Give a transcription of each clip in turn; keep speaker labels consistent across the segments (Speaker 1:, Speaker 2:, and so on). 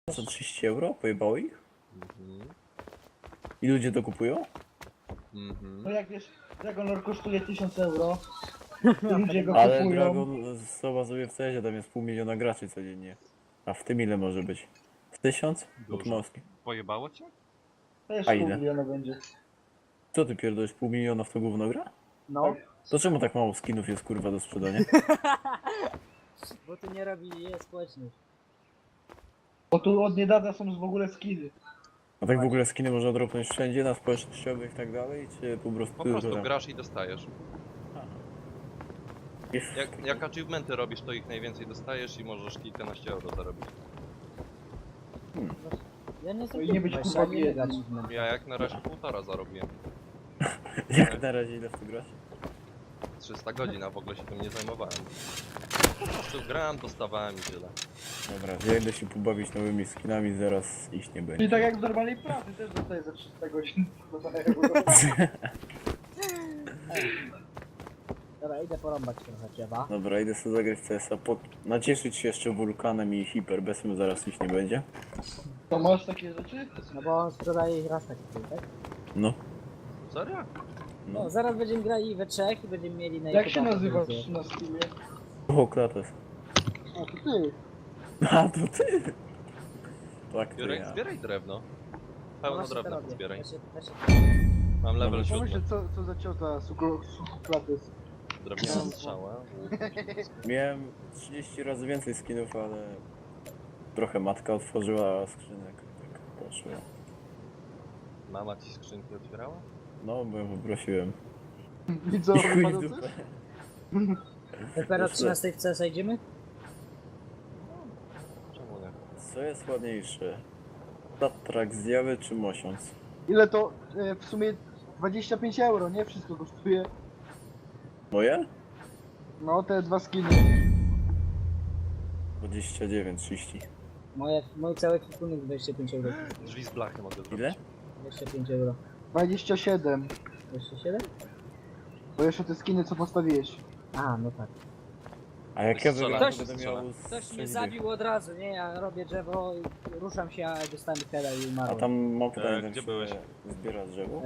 Speaker 1: Za 30 euro? Pojebało ich?
Speaker 2: Mhm.
Speaker 1: I ludzie to kupują?
Speaker 2: Mhm.
Speaker 3: No jak wiesz, Dragonlord kosztuje 1000 euro, to ludzie go
Speaker 1: Ale
Speaker 3: kupują.
Speaker 1: Dragon, zobacz sobie w CS-ie, tam jest 500 000 graczy codziennie. A w tym ile może być? W 1000?
Speaker 2: Dużo.
Speaker 1: Mocki.
Speaker 2: Pojebało cię?
Speaker 3: Też
Speaker 1: A
Speaker 3: pół
Speaker 1: ile?
Speaker 3: miliona będzie.
Speaker 1: Co ty pierdolisz, 500 000 w to gówno gra?
Speaker 3: No.
Speaker 1: To czemu tak mało skinów jest kurwa do sprzedania?
Speaker 4: Bo tu nie robi społeczność.
Speaker 3: Bo tu od niedawna są w ogóle skiny.
Speaker 1: A tak w ogóle skiny można dropnąć wszędzie, na społecznościowych i tak dalej, czy po prostu...
Speaker 2: Po prostu
Speaker 1: tam?
Speaker 2: grasz i dostajesz.
Speaker 1: Jest...
Speaker 2: Jak achievementy robisz, to ich najwięcej dostajesz i możesz kilkanaście euro zarobić.
Speaker 4: Ja nie
Speaker 3: i nie być
Speaker 4: właśnie,
Speaker 3: kurwa
Speaker 4: ani nie
Speaker 3: biedny.
Speaker 4: grać w memy.
Speaker 2: Ja jak na razie 1,5 zarobiłem.
Speaker 1: Jak na razie ile w to grać?
Speaker 2: 300 godzin, a w ogóle się tym nie zajmowałem. Po prostu grałem, dostawałem i tyle.
Speaker 1: Dobra, ja idę się pobawić nowymi skinami, zaraz iść nie będzie.
Speaker 3: Czyli tak jak w normalnej pracy też dostaję za 300 godzin.
Speaker 4: Dobra, idę porąbać trochę drzewa.
Speaker 1: Dobra, idę sobie zagrać w CS-a, nacieszyć się jeszcze wulkanem i hiperbesem, zaraz iść nie będzie.
Speaker 3: To masz takie rzeczy?
Speaker 4: No bo on sprzedaje ich raz taki, tak?
Speaker 1: No.
Speaker 2: Serio?
Speaker 4: No, zaraz będziemy grali we trzech i będziemy mieli na
Speaker 3: Jak się
Speaker 4: YouTube'a
Speaker 3: nazywasz
Speaker 4: produkcję.
Speaker 3: na Steamie?
Speaker 1: O, klates.
Speaker 3: A to ty.
Speaker 1: A, to ty! Tak, to
Speaker 2: Jurek,
Speaker 1: ja.
Speaker 2: zbieraj drewno.
Speaker 4: No
Speaker 2: Pełno
Speaker 4: właśnie to
Speaker 2: drewna
Speaker 4: robię.
Speaker 2: zbieraj.
Speaker 4: Ja się...
Speaker 2: Mam level
Speaker 1: Dobra,
Speaker 2: 7.
Speaker 3: Pomyśl, co za ciota sukuplatys.
Speaker 2: Drewniana strzała.
Speaker 1: Miałem 30 razy więcej skinów, ale... Trochę matka otworzyła skrzynek, tak poszło.
Speaker 2: Mama ci skrzynki otwierała?
Speaker 1: No, bo ją poprosiłem.
Speaker 3: I co,
Speaker 1: I chuj w
Speaker 3: wypadł
Speaker 1: dupę.
Speaker 3: coś?
Speaker 4: Dopiero 13 w CS idziemy?
Speaker 2: Czemu nie?
Speaker 1: Co jest ładniejsze? Tatrak zjawy czy mosiąc?
Speaker 3: Ile to? W sumie 25 euro, nie? Wszystko kosztuje.
Speaker 1: Moje?
Speaker 3: No, te dwa skiny.
Speaker 1: 29, 30.
Speaker 4: Mój cały kwipunek 25 euro.
Speaker 2: Drzwi z blachy mogę zrobić.
Speaker 1: Ile?
Speaker 4: 25 euro.
Speaker 3: 27.
Speaker 4: 27?
Speaker 3: Bo jeszcze te skiny, co postawiłeś.
Speaker 4: A, no tak.
Speaker 1: A jak ja
Speaker 2: Strzela,
Speaker 1: wygram,
Speaker 4: ktoś
Speaker 1: to będę
Speaker 2: strzela.
Speaker 1: miał...
Speaker 4: Ktoś mnie
Speaker 1: 6 dych.
Speaker 4: zabił od razu, nie? Ja robię drzewo, ruszam się, a dostałem heada i
Speaker 1: A
Speaker 4: umarłem.
Speaker 1: tam mam pytanie,
Speaker 2: gdzie
Speaker 1: się
Speaker 2: byłeś?
Speaker 1: zbiera drzewo?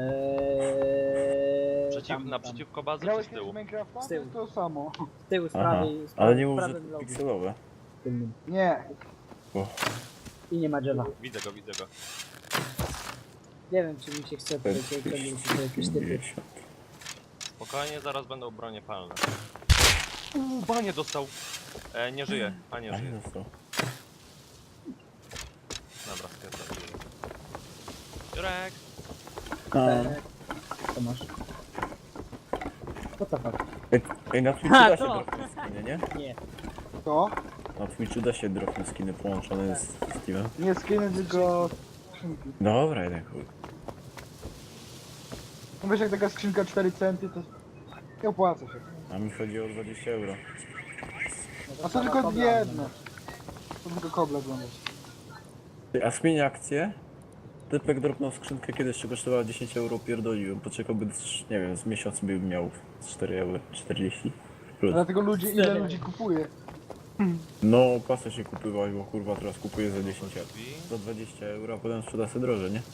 Speaker 2: Naprzeciwko bazy czy
Speaker 3: Grałeś
Speaker 2: z
Speaker 3: kiedyś
Speaker 2: tyłu?
Speaker 3: w Minecrafta?
Speaker 4: Z tyłu.
Speaker 3: To jest to samo.
Speaker 4: Z tyłu, z
Speaker 1: Aha,
Speaker 4: prawej,
Speaker 1: ale nie mów, że
Speaker 4: prawym logu
Speaker 1: pikselowe.
Speaker 4: tylnym.
Speaker 3: Nie.
Speaker 1: O,
Speaker 4: I nie ma drzewa.
Speaker 2: Widzę go, widzę go.
Speaker 4: Nie wiem, czy mi się chce tutaj ciągnąć się jakieś typy.
Speaker 1: 50.
Speaker 2: Spokojnie, zaraz będą bronie palne. Banie dostał. Nie żyje, a nie
Speaker 1: A
Speaker 2: żyje.
Speaker 1: nie dostał.
Speaker 2: Dobra, stwierdzam. Jurek!
Speaker 4: Co masz? Co to fuck?
Speaker 1: Ej, na Twitchu
Speaker 4: Ha,
Speaker 1: da się
Speaker 4: to!
Speaker 1: dropnąć skiny, nie?
Speaker 4: Nie.
Speaker 3: To?
Speaker 1: Na Twitchu da się dropnąć skiny połączone z Steamem.
Speaker 3: Nie skiny, tylko skrzynki.
Speaker 1: Dobra, jeden chuj.
Speaker 3: No wiesz, jak taka skrzynka 4 centy, to nie opłaca się.
Speaker 1: A mi chodzi o 20 euro.
Speaker 4: No
Speaker 3: A to
Speaker 4: trzeba
Speaker 3: tylko
Speaker 4: kobla
Speaker 3: jedno.
Speaker 4: oglądać.
Speaker 3: To tylko koble oglądać.
Speaker 1: Ty, a zmienię akcję? Typek dropnął skrzynkę kiedyś, co kosztowała 10 euro, pierdoliłem. Poczekałby, nie wiem, z miesiąc bym miał 4 euro, 40. Plus.
Speaker 3: Dlatego ludzie, ile ludzi kupuje.
Speaker 1: No, pasę się kupywać, bo kurwa teraz kupuję za 10 euro. Za 20 euro, a potem sprzeda sobie drożej, nie?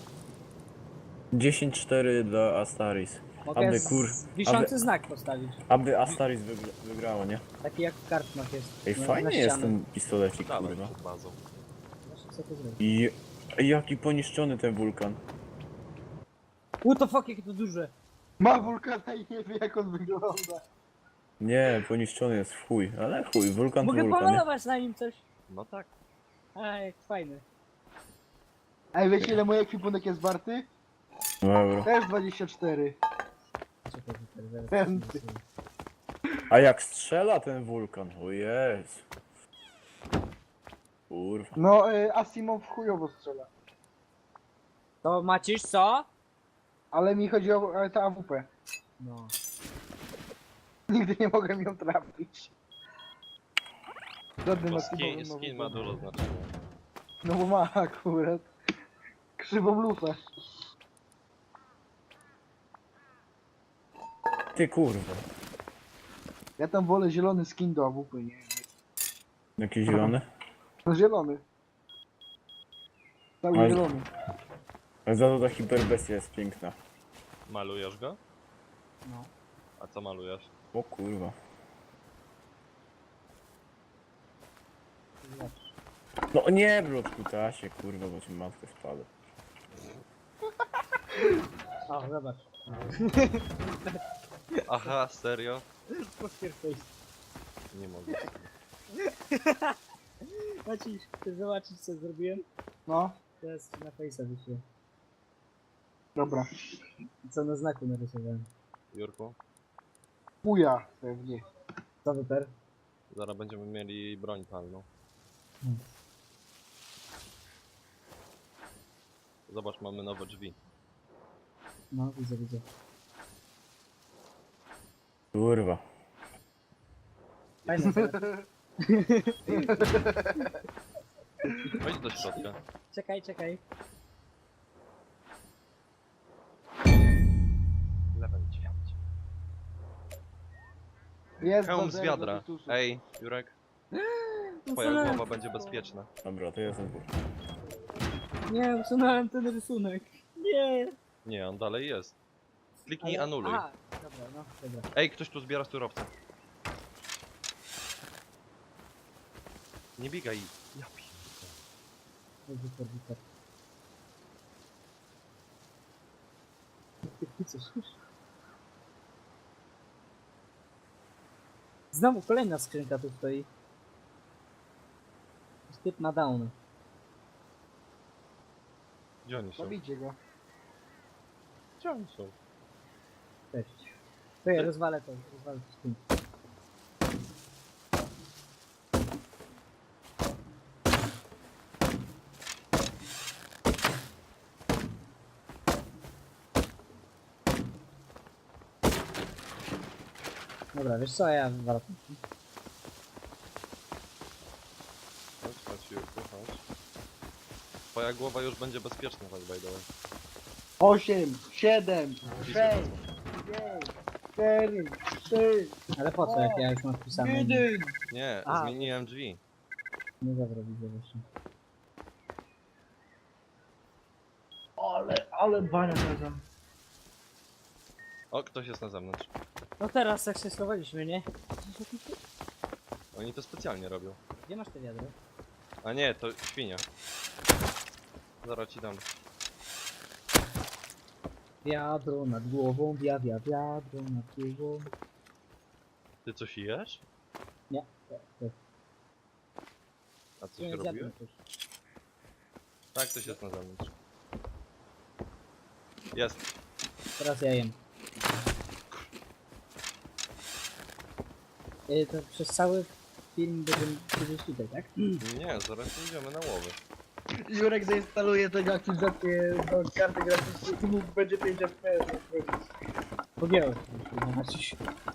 Speaker 1: 10-4 dla Astaris.
Speaker 4: Mogę
Speaker 1: Aby
Speaker 4: wiszący
Speaker 1: aby-
Speaker 4: znak postawić.
Speaker 1: Aby Astaris wygrało, nie?
Speaker 4: Taki jak w kartmach jest.
Speaker 1: Ej,
Speaker 4: na
Speaker 1: fajnie jest
Speaker 4: ścianę.
Speaker 1: ten pistolecik,
Speaker 2: Dawaj
Speaker 1: kurwa.
Speaker 2: przed bazą.
Speaker 4: Właśnie chcę to zrobić.
Speaker 1: I jaki poniszczony ten wulkan.
Speaker 4: What the fuck, jakie to duże.
Speaker 3: Ma wulkana i nie wie, jak on wygląda.
Speaker 1: Nie, poniszczony jest w chuj, ale chuj, wulkan to
Speaker 4: Mogę
Speaker 1: wulkan, nie?
Speaker 4: pomalować na nim coś.
Speaker 2: No tak.
Speaker 4: A, jak fajny.
Speaker 3: Ej, wiecie, ile mój ekwipunek jest warty?
Speaker 1: No euro.
Speaker 3: Też 24.
Speaker 4: Czekaj, czekaj, zaraz
Speaker 3: Ten.
Speaker 4: zobaczymy.
Speaker 1: A jak strzela ten wulkan, o jest. Kurwa.
Speaker 3: No, Asimov chujowo strzela.
Speaker 4: To Macisz, co?
Speaker 3: Ale mi chodzi o tę AWP.
Speaker 4: No.
Speaker 3: Nigdy nie mogłem ją trafić. Żadnym
Speaker 2: Bo
Speaker 3: Asimowym
Speaker 2: skin ma
Speaker 3: AWP.
Speaker 2: dużo znaczenia.
Speaker 3: No bo ma akurat. Krzywą lufę.
Speaker 1: Ty kurwa.
Speaker 3: Ja tam wolę zielony skin do AWP, nie?
Speaker 1: Jaki zielony?
Speaker 3: No zielony. Cały
Speaker 1: Oj.
Speaker 3: zielony.
Speaker 1: Ale za to ta hiperbestia jest piękna.
Speaker 2: Malujesz go?
Speaker 4: No.
Speaker 2: A co malujesz?
Speaker 1: O kurwa.
Speaker 4: Zobacz.
Speaker 1: No nie, bloczku tasie, kurwa, bo ci matkę spadł.
Speaker 4: O, zobacz.
Speaker 2: Aha, serio?
Speaker 4: Poker face.
Speaker 2: Nie mogę.
Speaker 4: Maciej, chcesz zobaczyć co zrobiłem?
Speaker 3: No,
Speaker 4: Teraz na face'a wyślę.
Speaker 3: dobra.
Speaker 4: Co na znaku narysowałem.
Speaker 2: Jurku,
Speaker 3: Puja pewnie.
Speaker 4: Co wyper?
Speaker 2: zaraz będziemy mieli broń palną. Zobacz, mamy nowe drzwi.
Speaker 4: No, widzę, widzę.
Speaker 1: Kurwa.
Speaker 4: Fajne, co?
Speaker 2: Wejdź do środka.
Speaker 4: Czekaj, czekaj.
Speaker 2: Level 9.
Speaker 3: Jest
Speaker 2: Hełm
Speaker 3: bazer
Speaker 2: z wiadra.
Speaker 3: do Vitusu.
Speaker 2: Ej, Jurek, twoja
Speaker 4: Usunąłem
Speaker 2: głowa będzie
Speaker 4: to.
Speaker 2: bezpieczna.
Speaker 1: Dobra, to ja znowu.
Speaker 4: Nie, usunąłem ten rysunek. Nie.
Speaker 2: Nie, on dalej jest. Kliknij
Speaker 4: Ale-
Speaker 2: anuluj.
Speaker 4: Aha, dobra, no, dobra.
Speaker 2: Ej, ktoś tu zbiera surowce. Nie biegaj. Ja pierdolę.
Speaker 4: Wyper, wyper. Ty co słyszysz? Znowu kolejna skrzynka tu stoi. Typ na down.
Speaker 2: Gdzie oni są?
Speaker 3: Zabijcie go.
Speaker 2: Gdzie oni są?
Speaker 4: Cześć. To ja rozwalę to skrzynkę. Dobra, wiesz co, ja wywalę.
Speaker 2: Chodź, chodź, Jurku, chodź. Twoja głowa już będzie bezpieczna, tak by the way.
Speaker 3: 8, 7, 6,
Speaker 2: Wpisuj
Speaker 3: 5, 4, 3,
Speaker 4: Ale po co, jak ja już mam wpisane?
Speaker 3: 1.
Speaker 2: Nie,
Speaker 4: A.
Speaker 2: zmieniłem drzwi.
Speaker 4: Nie dobra, widzę właśnie.
Speaker 3: Ale bania razem.
Speaker 2: O, ktoś jest na zewnątrz.
Speaker 4: No teraz jak się schowaliśmy, nie?
Speaker 2: Oni to specjalnie robią.
Speaker 4: Gdzie masz te wiadro?
Speaker 2: A nie, to świnia. Zaraz ci dam.
Speaker 4: Wiadro nad głową, wiadro nad głową.
Speaker 2: Ty coś jesz?
Speaker 4: Nie, to
Speaker 2: A coś
Speaker 4: nie
Speaker 2: robiłeś?
Speaker 4: zjadłem coś.
Speaker 2: Tak, ktoś jest na zewnątrz. Jest.
Speaker 4: Teraz ja jem. To przez cały film będziemy siedzieć tutaj, tak?
Speaker 2: Nie, zaraz idziemy na łowy.
Speaker 3: Jurek zainstaluje tego aktywizację do karty graficznej i mógł będzie 5 FPS.
Speaker 4: Pogięło się. Maciuś.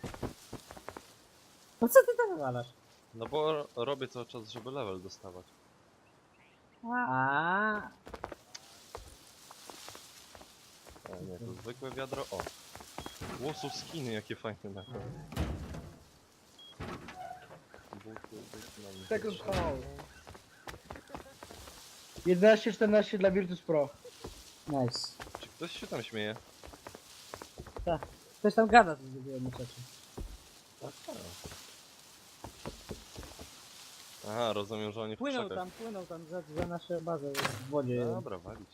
Speaker 4: No co ty tam wywalasz?
Speaker 2: No bo robię cały czas, żeby level dostawać.
Speaker 4: A.
Speaker 2: A nie, to zwykłe wiadro. O! Łosów skiny, jakie fajne na to.
Speaker 3: Second call. 11-14 dla Virtus Pro.
Speaker 4: Nice.
Speaker 2: Czy ktoś się tam śmieje?
Speaker 4: Ktoś tam gada, to zrobiłem rzeczy.
Speaker 2: Aha, rozumiem, że oni w
Speaker 4: Płynął
Speaker 2: krzakach.
Speaker 4: tam za naszą bazę w wodzie.
Speaker 2: Dobra, walić.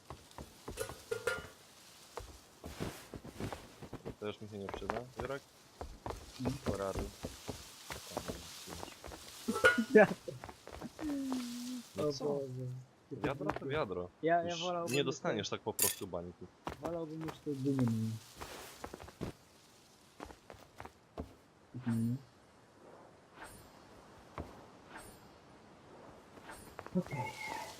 Speaker 2: To już mi się nie przyda, Jurek? Porady. No
Speaker 4: O
Speaker 2: co?
Speaker 4: Boże.
Speaker 2: Wiadro to wiadro.
Speaker 4: Ja
Speaker 2: Już
Speaker 4: wolałbym...
Speaker 2: nie dostaniesz tak po prostu bańki.
Speaker 4: Wolałbym już to dynię mieć. Okej.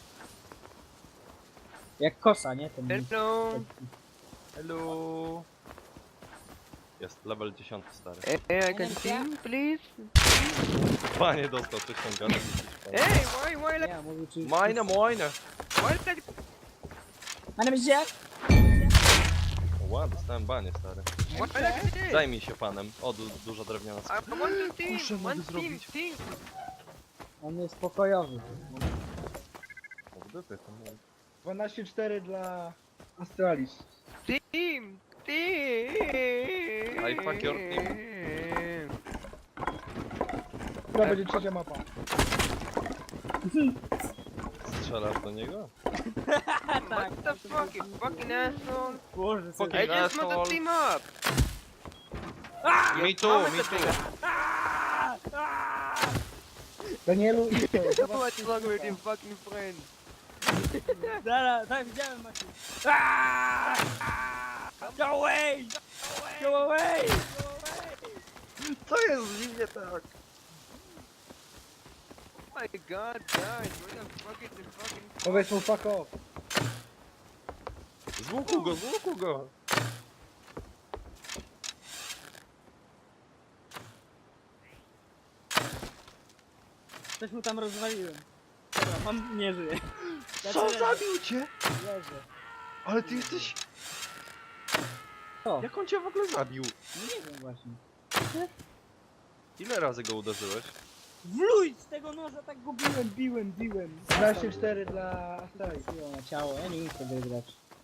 Speaker 4: Jak kosa, nie? Ten
Speaker 2: Hello! Hello! Jest, level 10 stary.
Speaker 5: Hey, I can sing, please.
Speaker 2: Panie dostał coś tam gada.
Speaker 5: Hey, why like,
Speaker 4: Nie, mówił czy...
Speaker 2: Mine, mine!
Speaker 5: why like,
Speaker 4: My name is Jack.
Speaker 2: Ła, dostałem banie stary.
Speaker 5: why like this?
Speaker 2: Zajmij się panem. O, duża drewniana
Speaker 5: I
Speaker 2: skrzynka.
Speaker 5: want to sing,
Speaker 2: Muszę
Speaker 5: one
Speaker 2: mogę
Speaker 5: sing,
Speaker 2: zrobić.
Speaker 5: sing.
Speaker 4: On jest pokojowy.
Speaker 2: O, w dupie to mam.
Speaker 3: 12-4 dla Astralis.
Speaker 5: Team! Team!
Speaker 2: I fuck your team.
Speaker 3: Która będzie trzecia mapa?
Speaker 2: Strzelasz do niego?
Speaker 5: What the fuck, you fucking asshole!
Speaker 4: Boże, co
Speaker 2: Fucking
Speaker 5: I just want to
Speaker 2: asshole.
Speaker 5: team up!
Speaker 2: Me too, me too.
Speaker 3: Danielu, idź to. Zobacz,
Speaker 5: What's wrong with your fucking friend?
Speaker 4: Zaraz, tak, widziałem Maciu. Go away! Go away!
Speaker 3: co jest z nim nie tak?
Speaker 5: Oh my god, guys, where the fuck is the fucking...
Speaker 3: Powiedz mu fuck off.
Speaker 2: Z łuku go, z łuku go.
Speaker 4: Coś mu tam rozwaliłem. Dobra, on nie żyje.
Speaker 3: Co zabił cię?
Speaker 4: Leży.
Speaker 3: Ale ty jesteś...
Speaker 4: Co?
Speaker 2: Jak on cię w ogóle zabił?
Speaker 4: No nie wiem właśnie.
Speaker 2: Ile razy go uderzyłeś?
Speaker 4: Wluj z tego noża, tak go biłem.
Speaker 3: 12-4 dla Astralis.
Speaker 4: Siła na ciało, ja nie chcę wygrać.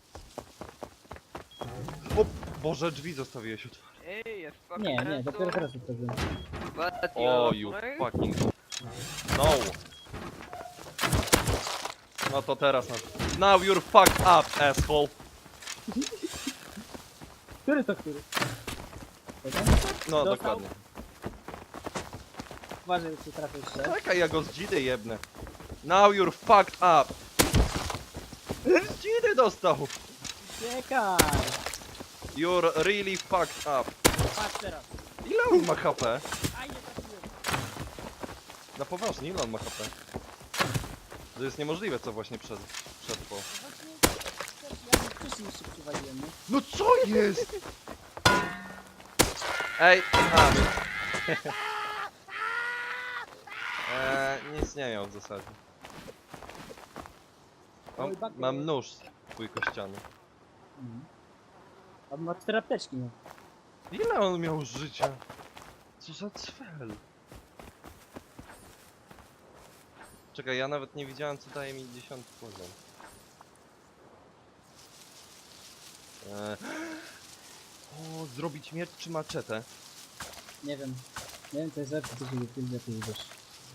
Speaker 2: O Boże, drzwi zostawiłeś otwarte.
Speaker 5: Hey, you fucking
Speaker 4: Nie,
Speaker 5: asshole!
Speaker 4: dopiero teraz otworzyłem.
Speaker 5: What,
Speaker 2: O,
Speaker 5: you
Speaker 2: you
Speaker 5: friend?
Speaker 2: fucking... No. No to teraz na... Now you're fucked up, asshole.
Speaker 4: Który to który? Jeden?
Speaker 2: No,
Speaker 4: Dostał?
Speaker 2: dokładnie.
Speaker 4: Uważaj, czy trafię jeszcze.
Speaker 2: Czekaj, ja go z dzidy jebnę. Now you're fucked up. Z dzidy dostał.
Speaker 4: Czekaj!
Speaker 2: You're really fucked up.
Speaker 4: Patrz teraz.
Speaker 2: Ile on ma HP?
Speaker 4: Aj, nie trafiłem.
Speaker 2: Na poważnie, ile on ma HP? To jest niemożliwe, co właśnie przetrwał.
Speaker 4: No właśnie, ja bym wcześniej jeszcze przywaliłem, nie?
Speaker 2: No co jest? Ej, a. Nic nie miał w zasadzie. Mam nóż twój kościany.
Speaker 4: A ma 4 apteczki, no.
Speaker 2: Ile on miał życia? Co za cfel? Czekaj, ja nawet nie widziałem, co daje mi 10 poziom. O, zrobić miecz czy maczetę?
Speaker 4: Nie wiem. Nie wiem, to jest lepsze, co się wypilnia, ty wiesz.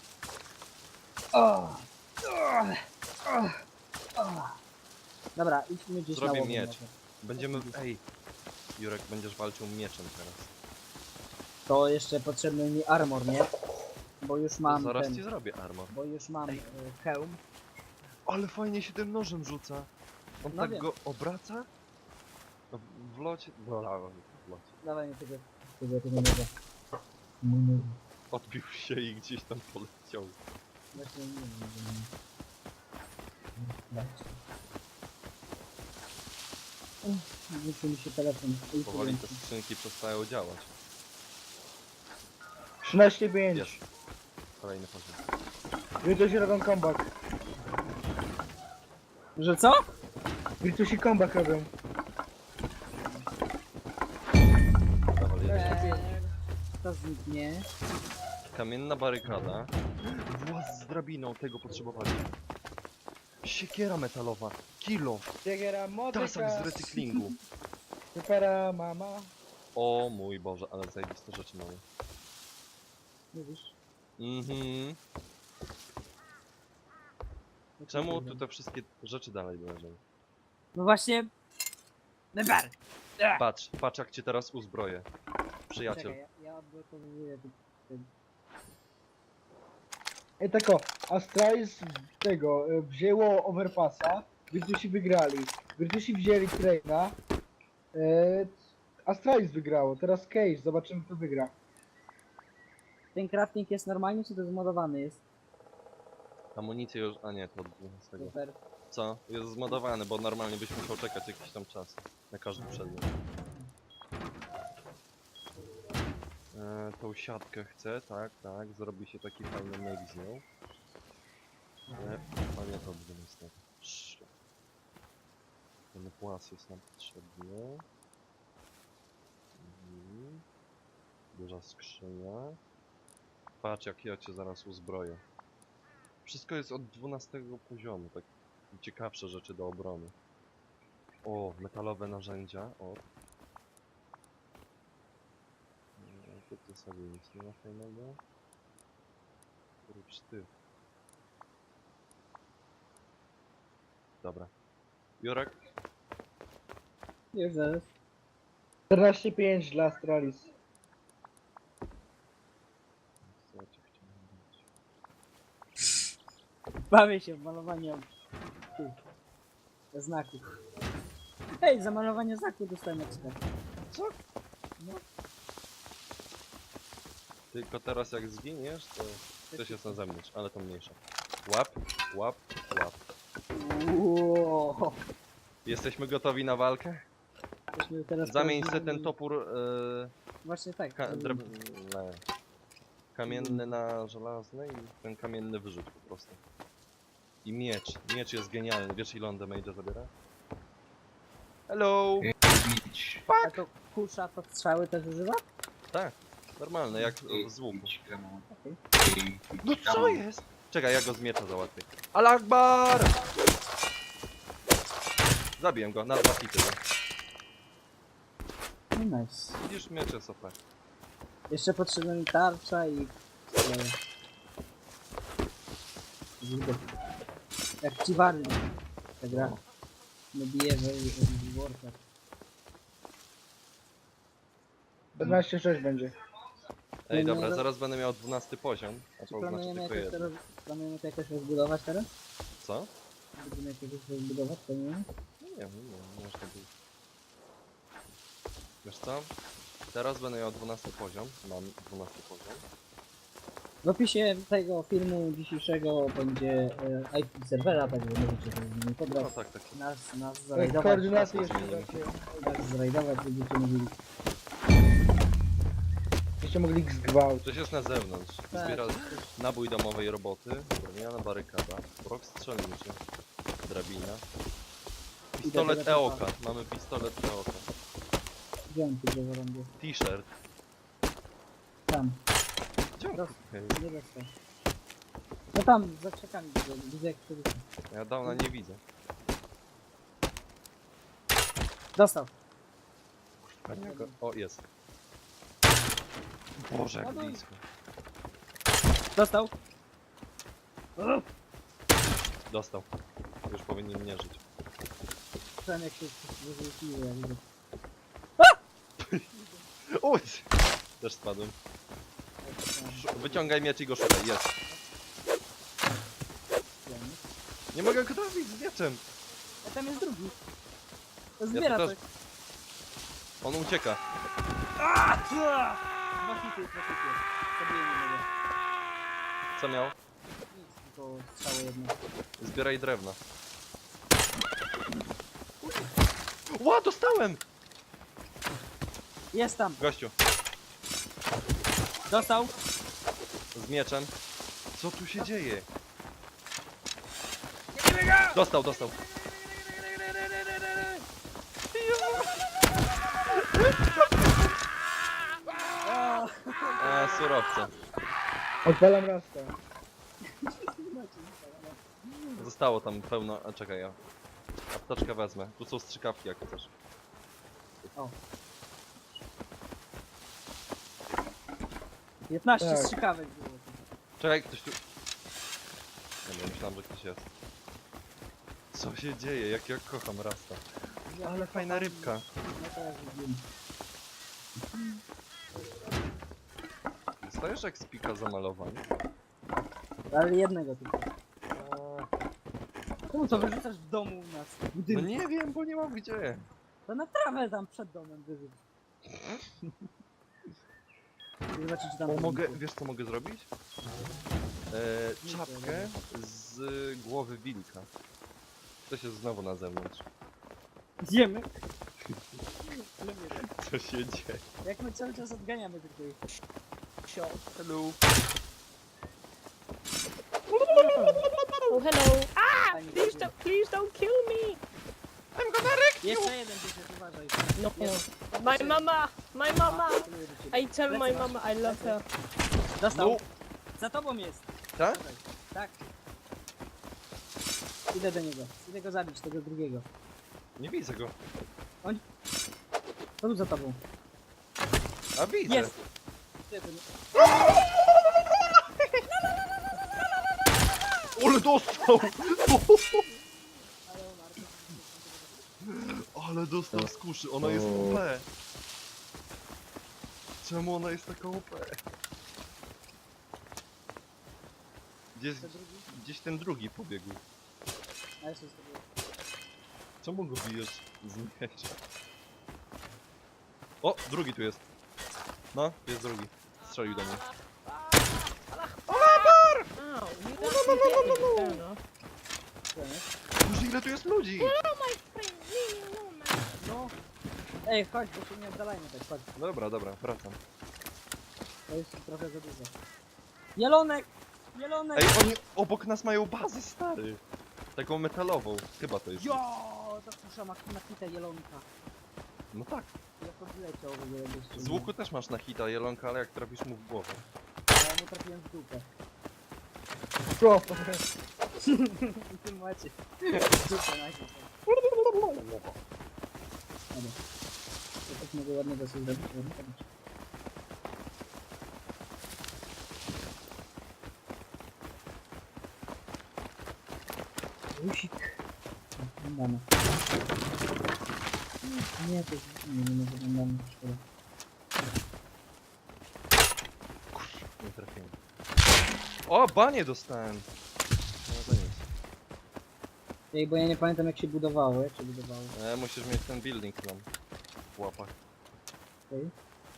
Speaker 4: Dobra, idźmy gdzieś
Speaker 2: Zrobię
Speaker 4: na łowę
Speaker 2: miecz.
Speaker 4: może.
Speaker 2: Będziemy... Ej! Jurek, będziesz walczył mieczem teraz.
Speaker 4: To jeszcze potrzebny mi armor, nie? Bo już mam
Speaker 2: Zaraz
Speaker 4: ten,
Speaker 2: ci zrobię armor.
Speaker 4: bo już mam hełm.
Speaker 2: Ale fajnie się tym nożem rzuca. On
Speaker 4: No
Speaker 2: tak
Speaker 4: wiem.
Speaker 2: go obraca? No, w locie... w locie.
Speaker 4: Dawaj mi tego noża. Mój nóż.
Speaker 2: Odbił się i gdzieś tam poleciał.
Speaker 4: Właśnie nie wiem, Wrócił mi się telefon.
Speaker 2: Powoli te skrzynki przestają działać.
Speaker 3: 13-5.
Speaker 2: Wiesz. Kolejny poziom.
Speaker 3: Virtusi robią comeback.
Speaker 4: Że co?
Speaker 3: Virtusi comeback robią.
Speaker 2: Dawaj, jedziesz.
Speaker 4: To zniknie.
Speaker 2: Kamienna barykada. Właz z drabiną, tego potrzebowali. Siekiera metalowa. Kilo.
Speaker 3: Siegiera, motyka.
Speaker 2: Tasak z recyklingu.
Speaker 3: Supera, mama.
Speaker 2: O mój Boże, ale zajebiste rzeczy mamy.
Speaker 4: Mówisz?
Speaker 2: Mhm. Czemu tu te wszystkie rzeczy dalej leżą?
Speaker 4: No właśnie. Neber!
Speaker 2: Patrz, patrz jak cię teraz uzbroję. Przyjaciel.
Speaker 4: Czekaj, ja odblokowuję ten.
Speaker 3: Ej, tak o, Astralis tego, wzięło Overpassa, Virtusi wygrali. Virtusi wzięli Traina. Astralis wygrało, teraz Cage, zobaczymy kto wygra.
Speaker 4: Ten crafting jest normalnie, czy to zmodowany jest?
Speaker 2: Amunicję już... A nie, to od 12.
Speaker 4: Super.
Speaker 2: Co? Jest zmodowany, bo normalnie byś musiał czekać jakiś tam czas. Na każdy przedmiot. Tą siatkę chcę, tak, tak. Zrobi się taki fajny myk z nią. Panie to 12. Szlak. Ten płas jest nam potrzebny. Duża skrzynia. Patrz jak ja cię zaraz uzbroję. Wszystko jest od 12 poziomu, tak ciekawsze rzeczy do obrony. O, metalowe narzędzia. O. Tu sobie nic nie ma fajnego. Oprócz tych. Dobra. Jurek?
Speaker 4: Już zaraz.
Speaker 3: 14,5 dla Astralis.
Speaker 2: Co ja ci chciałem dać?
Speaker 4: Bawię się w malowanie tych znaków. Hej, za malowanie znaku dostałem ekspert.
Speaker 2: Tylko teraz jak zginiesz, to ktoś jest na zewnątrz, ale to mniejsze. Łap, łap, łap.
Speaker 4: Wow.
Speaker 2: Jesteśmy gotowi na walkę?
Speaker 4: Myśmy teraz
Speaker 2: Zamień se
Speaker 4: prawdziwi-
Speaker 2: ten topór
Speaker 4: Właśnie tak.
Speaker 2: kamienny na żelazny i ten kamienny wyrzuć po prostu. I miecz. Miecz jest genialny. Wiesz ile on damage'a zabiera? Hello!
Speaker 4: A to kusza to strzały też używa?
Speaker 2: Tak, normalne, jak z łuku.
Speaker 4: Okej.
Speaker 2: No co jest? Czekaj, ja go z miecza załatwię. Al-Akbar! Zabiję go, na 2 hity.
Speaker 4: No nice.
Speaker 2: Widzisz, miecz jest OP.
Speaker 4: Jeszcze potrzebna mi tarcza i... Kurde. Jak ci warny. Ta gra. Nie bije w Warcraft.
Speaker 3: 14,6 będzie.
Speaker 2: Ej,
Speaker 4: No,
Speaker 2: dobra,
Speaker 4: no.
Speaker 2: zaraz będę miał 12 poziom. A
Speaker 4: Czy
Speaker 2: to znaczy
Speaker 4: planujemy
Speaker 2: tylko
Speaker 4: jakoś,
Speaker 2: jedno.
Speaker 4: planujemy to jakoś rozbudować teraz?
Speaker 2: Co?
Speaker 4: Będziemy jakoś rozbudować, planujemy?
Speaker 2: Nie wiem, można by... Wiesz co? Teraz będę miał 12 poziom. Mam 12 poziom.
Speaker 4: W opisie tego filmu dzisiejszego będzie IP serwera, także możecie sobie z nimi
Speaker 2: No
Speaker 4: pobrać.
Speaker 2: tak, tak.
Speaker 4: Nas zrajdować,
Speaker 3: Koordynaty
Speaker 2: nas
Speaker 3: jeszcze
Speaker 2: zmienimy.
Speaker 3: dacie.
Speaker 4: nas zrajdować, będziecie mogli...
Speaker 3: Jeszcze mogli ich zgwałcić.
Speaker 2: Ktoś jest na zewnątrz.
Speaker 4: Tak.
Speaker 2: Zbiera nabój domowej roboty, drewniana barykada, brok strzelniczy, drabina. Pistolet
Speaker 4: Idę do
Speaker 2: Eoka. Mamy pistolet Eoka.
Speaker 4: Wziąłem tu drzewo rąbie.
Speaker 2: T-shirt.
Speaker 4: Tam,
Speaker 2: Gdzie on?
Speaker 4: Roz-
Speaker 2: Okej.
Speaker 4: nie dostał. No tam, za krzakami widzę jak to wyszło.
Speaker 2: Ja dawno nie widzę.
Speaker 4: Dostał.
Speaker 2: O, jest. Boże, jak blisko.
Speaker 4: Dostał.
Speaker 2: Dostał. Już powinien nie żyć.
Speaker 4: Słyszałem jak się wyrzuciło, ja widzę.
Speaker 2: Uj! Też spadłem. Wyciągaj miecz i go szukaj. Jest. Nie mogę go trafić z mieczem.
Speaker 4: A tam jest drugi. To
Speaker 2: Ja
Speaker 4: zbiera
Speaker 2: to
Speaker 4: coś.
Speaker 2: też. On ucieka.
Speaker 4: Dwa hity, Zabiję nie mogę.
Speaker 2: Co miał?
Speaker 4: Nic, tylko strzało jedno.
Speaker 2: Zbieraj drewno. Ła, dostałem!
Speaker 4: Jest tam.
Speaker 2: Gościu,
Speaker 4: Dostał.
Speaker 2: z mieczem. Co tu się dzieje? Dostał, dostał. Surowce.
Speaker 3: Odpalam rasta.
Speaker 2: Zostało tam pełno... A czekaj, ja apteczkę wezmę. Tu są strzykawki jak chcesz.
Speaker 4: O. 15
Speaker 3: Tak.
Speaker 4: strzykawek było.
Speaker 2: Czekaj, ktoś tu... Nie, myślałem, że ktoś jest. Co się dzieje? Jak ja kocham Rasta. Ale fajna rybka.
Speaker 4: No to jak widzimy.
Speaker 2: Dostajesz jak spika za malowanie?
Speaker 4: Ale jednego tylko.
Speaker 2: A,
Speaker 4: Czemu to wyrzucasz w domu u nas? W
Speaker 2: No
Speaker 4: budynku?
Speaker 2: nie wiem, bo nie mam gdzie.
Speaker 4: To na trawę tam przed domem wyrzuć. Zobaczyć tam.
Speaker 2: O, mogę, wiesz co mogę zrobić? Czapkę z głowy wilka. Ktoś jest znowu na zewnątrz.
Speaker 4: Idziemy.
Speaker 2: Co się dzieje?
Speaker 4: Jak my cały czas odganiamy tylko ich.
Speaker 2: Hello.
Speaker 5: Oh, hello.
Speaker 4: Fajnie
Speaker 5: Please don't kill me.
Speaker 4: Jeszcze jeden będzie, uważaj.
Speaker 5: No.
Speaker 4: Jest.
Speaker 5: My mama. My mama.
Speaker 4: Celuję do ciebie.
Speaker 5: I tell my mama I love her.
Speaker 4: Dostał.
Speaker 2: No.
Speaker 4: Za tobą jest.
Speaker 2: Tak?
Speaker 4: Tak. Idę do niego. Idę go zabić, tego drugiego.
Speaker 2: Nie widzę go.
Speaker 4: To tu za tobą.
Speaker 2: A widzę.
Speaker 4: Jest! Gdzie to nie-
Speaker 2: Ale dostał!
Speaker 4: Ale umarł.
Speaker 2: Ale dostał z kuszy, ona jest
Speaker 1: O.
Speaker 2: OP. Czemu ona jest taka OP?
Speaker 4: To drugi?
Speaker 2: Gdzieś ten drugi pobiegł.
Speaker 4: A jeszcze jest to było.
Speaker 2: Czemu go bijesz z miecza? O, drugi tu jest. No, jest drugi. Strzelił do mnie.
Speaker 4: Co jest?
Speaker 2: Boże, ile tu jest ludzi!
Speaker 4: No. Ej, chodź, bo się nie oddalajmy tak, chodź.
Speaker 2: Dobra, dobra, wracam.
Speaker 4: To jest trochę za dużo. Jelonek! Jelonek!
Speaker 2: Ej, oni obok nas mają bazę, stary! Taką metalową, chyba to jest.
Speaker 4: Jo! To kusza ma na kitę jelonka.
Speaker 2: No tak.
Speaker 4: Jak odleciał w ogóle jeszcze.
Speaker 2: Z łuku też masz na hita jelonka, ale jak trafisz mu w głowę.
Speaker 4: Ja mu trafiłem w dupę.
Speaker 3: Co?
Speaker 4: I tym macie. W dupę najpierw. Dobra. To tak mogę ładnie dosyć zrobić. ładnie zrobić. Rusik. Wyglądamy. Nie, to jest... Nie wyglądamy. Szkoda.
Speaker 2: Nie trafiłem. O, banie dostałem! No to nic.
Speaker 4: Ej, bo ja nie pamiętam jak się budowało, jak się budowało.
Speaker 2: Musisz mieć ten building tam w łapach.
Speaker 4: Okej.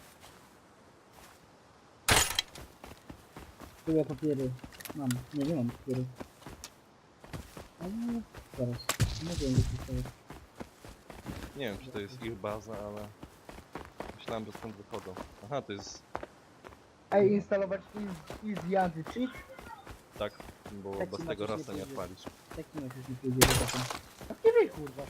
Speaker 4: Tu ja papiery mam. Nie mam papiery. Ale zaraz. Nie wiem, gdzie to jest.
Speaker 2: Nie wiem, czy to jest ich baza, ale... Myślałem, że stąd wychodzą. Aha, to jest...
Speaker 3: Ej, instalować Easy Anti-Cheat?
Speaker 2: Tak, bo
Speaker 4: Tak
Speaker 2: bez
Speaker 4: ci
Speaker 2: tego
Speaker 4: Maciuś nie
Speaker 2: rasta nie
Speaker 4: pójdzie.
Speaker 2: odpalisz.
Speaker 4: Tak nie już nie pójdzie do taką.
Speaker 3: A nie wie, kurwa.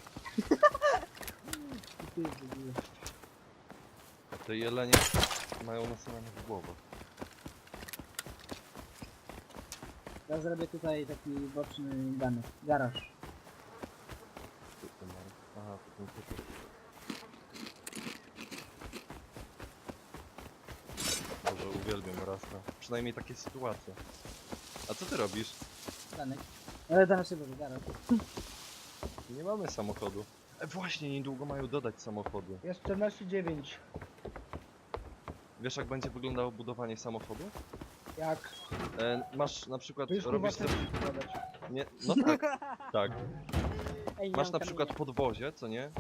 Speaker 4: I ty w ogóle.
Speaker 2: Te jelenie mają nasyłane w głowach.
Speaker 4: Ja zrobię tutaj taki boczny danek. Garaż.
Speaker 2: Tu to mają. Aha, to ten typ. Boże, uwielbiam rasta. Przynajmniej takie sytuacje. A co ty robisz?
Speaker 4: Danek. Ale danek się będzie garaż.
Speaker 2: Nie mamy samochodu. Właśnie, niedługo mają dodać samochody.
Speaker 3: Jest 14,9.
Speaker 2: Wiesz, jak będzie wyglądało budowanie samochodu?
Speaker 3: Jak?
Speaker 2: Masz na przykład,
Speaker 3: To już kurwa
Speaker 2: robisz
Speaker 3: chcesz
Speaker 2: sobie...
Speaker 3: składać.
Speaker 2: Nie, no tak, tak.
Speaker 4: Ej, nie
Speaker 2: Masz
Speaker 4: mam
Speaker 2: na przykład
Speaker 4: kamienia.
Speaker 2: podwozie, co nie?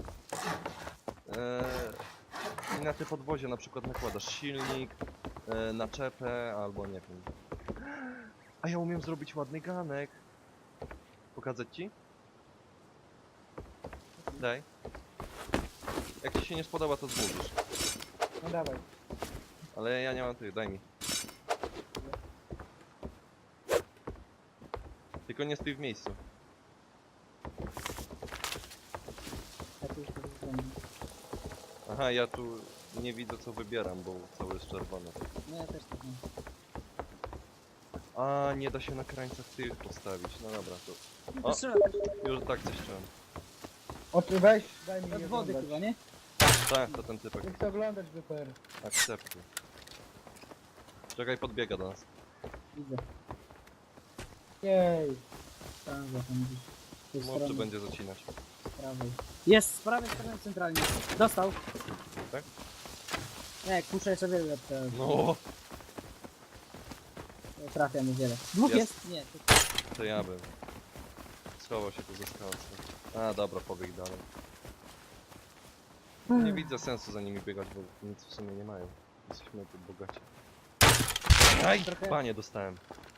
Speaker 2: I na te podwozie na przykład nakładasz silnik, naczepę albo nie wiem. A ja umiem zrobić ładny ganek. Pokazać ci? Daj. Jak ci się nie spodoba, to zburzysz.
Speaker 3: No dawaj.
Speaker 2: Ale ja nie mam tych, daj mi. Tylko nie stój w miejscu.
Speaker 4: Ja tu już to wygląda.
Speaker 2: Aha, ja tu nie widzę co wybieram, bo cały jest czerwony.
Speaker 4: No ja też tak mam.
Speaker 2: A, nie da się na krańcach tych postawić. No dobra, to O.
Speaker 4: Trzeba
Speaker 2: już tak coś czułem.
Speaker 3: Weź, daj mi
Speaker 4: od
Speaker 3: je
Speaker 4: wody chyba,
Speaker 3: oglądać.
Speaker 4: nie?
Speaker 2: Tak, to ten typek.
Speaker 3: Nie chcę oglądać BPR.
Speaker 2: Akceptuj. Czekaj, podbiega do nas.
Speaker 4: Widzę.
Speaker 3: Jej.
Speaker 4: Tam za tam gdzieś. Z tej
Speaker 2: Może
Speaker 4: strony
Speaker 2: będzie zacinać.
Speaker 4: prawej. Jest, z prawej strony centralnie. Dostał.
Speaker 2: Tak?
Speaker 4: Nie, kuszę jeszcze wiele lepsze.
Speaker 2: No,
Speaker 4: Trafia mu wiele. Dwóch
Speaker 2: Jest.
Speaker 4: jest? Nie. To...
Speaker 2: to ja bym. Schował się tu ze skałce. A, dobra, pobiegł dalej. Nie widzę sensu za nimi biegać, bo nic w sumie nie mają. Jesteśmy tu bogaci. Aj,
Speaker 4: Trochę-
Speaker 2: panie dostałem.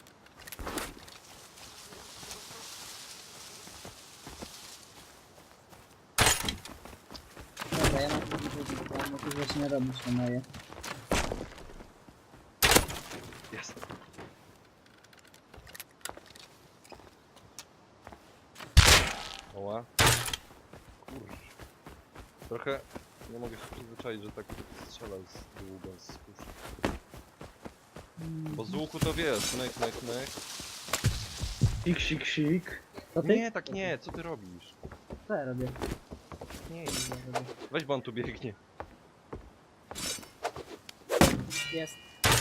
Speaker 4: Dobra, ja mam tu widzę, ja tu zaczyna robić to moje.
Speaker 2: Jest. Oła. Kurczę. Trochę nie mogę się przyzwyczaić, że tak strzelał z długo z kuszy. Bo z łuku to wiesz, myk, myk, myk.
Speaker 3: Sik, sik, sik.
Speaker 4: To ty?
Speaker 2: Nie, tak nie, co ty robisz?
Speaker 4: Co ja robię?
Speaker 2: Nie,
Speaker 4: Ja robię.
Speaker 2: weź, bo on tu biegnie.
Speaker 4: Jest.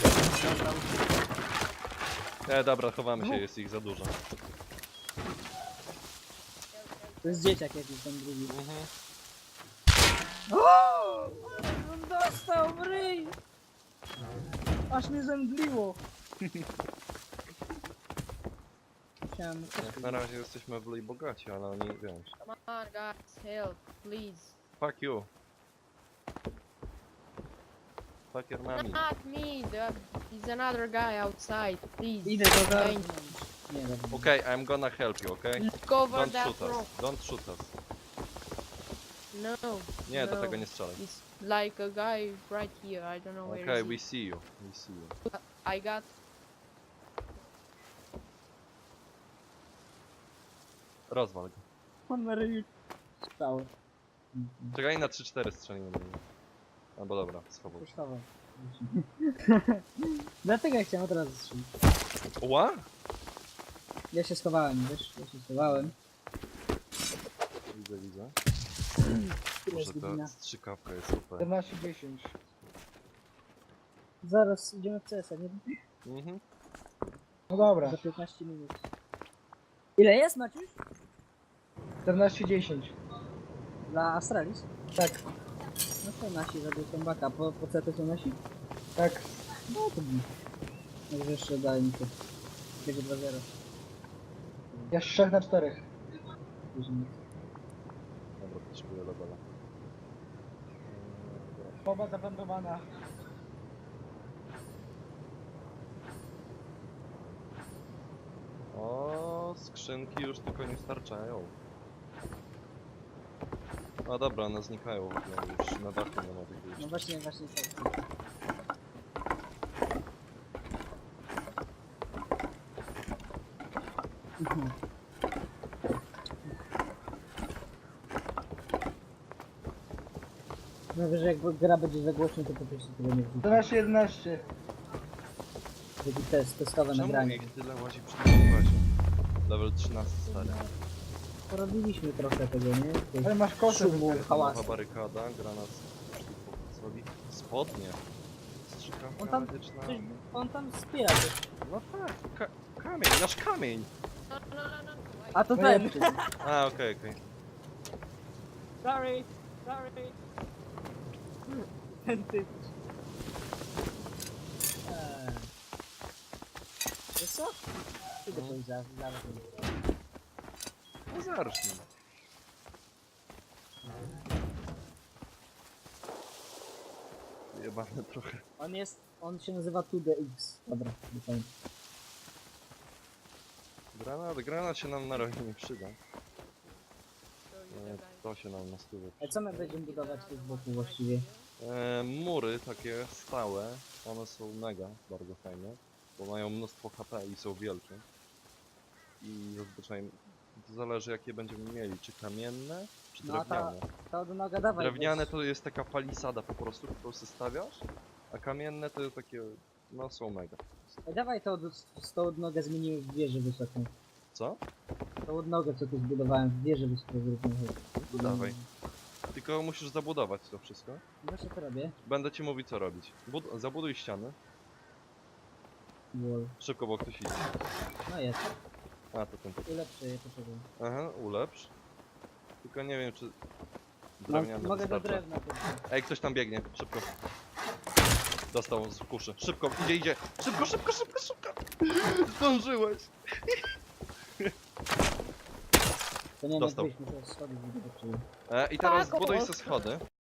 Speaker 2: Dobra, chowamy się, jest ich za dużo.
Speaker 4: To jest dzieciak jakiś tam drugi.
Speaker 2: Mhm.
Speaker 4: O! On dostał w ryj! Aż mnie zemdliło. Musiałem...
Speaker 2: Jak na razie jesteśmy w lej bogaci, ale oni, wiesz.
Speaker 5: Come on, guys, help, please.
Speaker 2: Fuck you. Fuck your mommy.
Speaker 5: Not me, he's another guy outside, please.
Speaker 4: Idę do
Speaker 5: Thank
Speaker 4: garnąć. Nie, dobra.
Speaker 2: Okay, I'm gonna help you, okay?
Speaker 5: Look over
Speaker 2: Don't
Speaker 5: that
Speaker 2: shoot
Speaker 5: rock.
Speaker 2: us. Don't shoot us.
Speaker 5: No.
Speaker 2: Nie, do
Speaker 5: no.
Speaker 2: tego nie strzelaj.
Speaker 5: It's like a guy right here. I don't know where
Speaker 2: Okay,
Speaker 5: is
Speaker 2: we
Speaker 5: he.
Speaker 2: see you. We see you.
Speaker 5: I got.
Speaker 2: Rozwal go.
Speaker 4: On na ryju. Stało.
Speaker 2: Czekaj, na 3-4 strzelimy do niego. Albo dobra, schował się.
Speaker 4: Kosztował. Dlatego ja chciałem od razu strzelić.
Speaker 2: Ła?
Speaker 4: Ja się schowałem, wiesz? Ja się schowałem.
Speaker 2: Widzę, widzę.
Speaker 4: Tyle
Speaker 2: Może
Speaker 4: jest godzina.
Speaker 2: ta strzykawka jest super.
Speaker 3: 14:10.
Speaker 4: Zaraz idziemy w CS-a, nie?
Speaker 2: Mhm.
Speaker 3: No dobra,
Speaker 4: Za 15 minut. Ile jest, Maciuś?
Speaker 3: 14:10.
Speaker 4: Dla Astralis?
Speaker 3: Tak,
Speaker 4: No to nasi zabił kombaka. Po CT są nasi?
Speaker 3: tak.
Speaker 4: No to nic. Może jeszcze daj mi to. Będzie 2-0.
Speaker 3: Jest 3-4.
Speaker 4: Później.
Speaker 2: Dobra, potrzebuję levela.
Speaker 3: Bomba zaplantowana.
Speaker 2: O, skrzynki już tylko nie starczają. A dobra, one znikają w ogóle, już na dachu nie ma tych
Speaker 4: No
Speaker 2: już.
Speaker 4: właśnie tak. Mhm. No wiesz, jak gra będzie za głośno, to po prostu tego nie wrzucę.
Speaker 3: 12:11.
Speaker 4: Taki testowe
Speaker 2: Czemu
Speaker 4: nagranie.
Speaker 2: ich tyle łazi przy tym bazie? Level 13 stary.
Speaker 4: Porobiliśmy trochę tego, nie? Tej
Speaker 3: Ale masz kosę.
Speaker 4: szumu,
Speaker 3: wypierdolone.
Speaker 4: hałasu.
Speaker 2: Nowa barykada, granat soli. Spodnie.
Speaker 4: On
Speaker 2: Strzykawka
Speaker 4: tam,
Speaker 2: medyczna.
Speaker 4: on tam wspiera też.
Speaker 2: No tak, kamień, nasz kamień!
Speaker 5: No, no, no, no.
Speaker 4: A to
Speaker 3: No
Speaker 4: ten!
Speaker 3: nie,
Speaker 2: A, okej, okej.
Speaker 4: Sorry, sorry. Ten typ. Wiesz co? Idę to zaraz.
Speaker 2: No zacznij. Jebane trochę.
Speaker 4: On się nazywa 2DX. Dobra, do końca.
Speaker 2: Granat się nam na razie nie przyda.
Speaker 5: Show you the guy.
Speaker 2: To się nam na stówę
Speaker 4: A co my będziemy budować tu z boku właściwie?
Speaker 2: mury takie stałe, one są mega, bardzo fajne, bo mają mnóstwo HP i są wielkie. I zazwyczaj to zależy jakie będziemy mieli, czy kamienne, czy
Speaker 4: No,
Speaker 2: drewniane.
Speaker 4: To od noga dawaj.
Speaker 2: Drewniane
Speaker 4: weź.
Speaker 2: to jest taka palisada po prostu, którą sobie stawiasz, a kamienne to jest takie, no są mega.
Speaker 4: Ej, dawaj tą odnogę zmienimy w wieżę wysoką.
Speaker 2: Co?
Speaker 4: Tą odnogę co tu zbudowałem w wieżę wysoką zróbmy.
Speaker 2: No to dawaj. Tylko musisz zabudować to wszystko.
Speaker 4: Właśnie to robię.
Speaker 2: Będę ci mówić co robić. Zabuduj ściany.
Speaker 4: Wall.
Speaker 2: Szybko, bo ktoś idzie.
Speaker 4: No jest.
Speaker 2: A, to ten.
Speaker 4: Ulepszę je, poczekaj.
Speaker 2: Aha, ulepsz. Tylko nie wiem, czy drewniane
Speaker 4: Mogę do
Speaker 2: wystarcza.
Speaker 4: drewna tylko.
Speaker 2: Ej, ktoś tam biegnie, szybko. Dostał z kuszy. Szybko, idzie. Szybko, szybko, szybko, szybko. Zdążyłeś.
Speaker 4: To nie
Speaker 2: Dostał.
Speaker 4: wiem, jak wyjść, muszę schody zbudować.
Speaker 2: I teraz
Speaker 5: Tak,
Speaker 2: zbuduj
Speaker 5: o.
Speaker 2: sobie schody.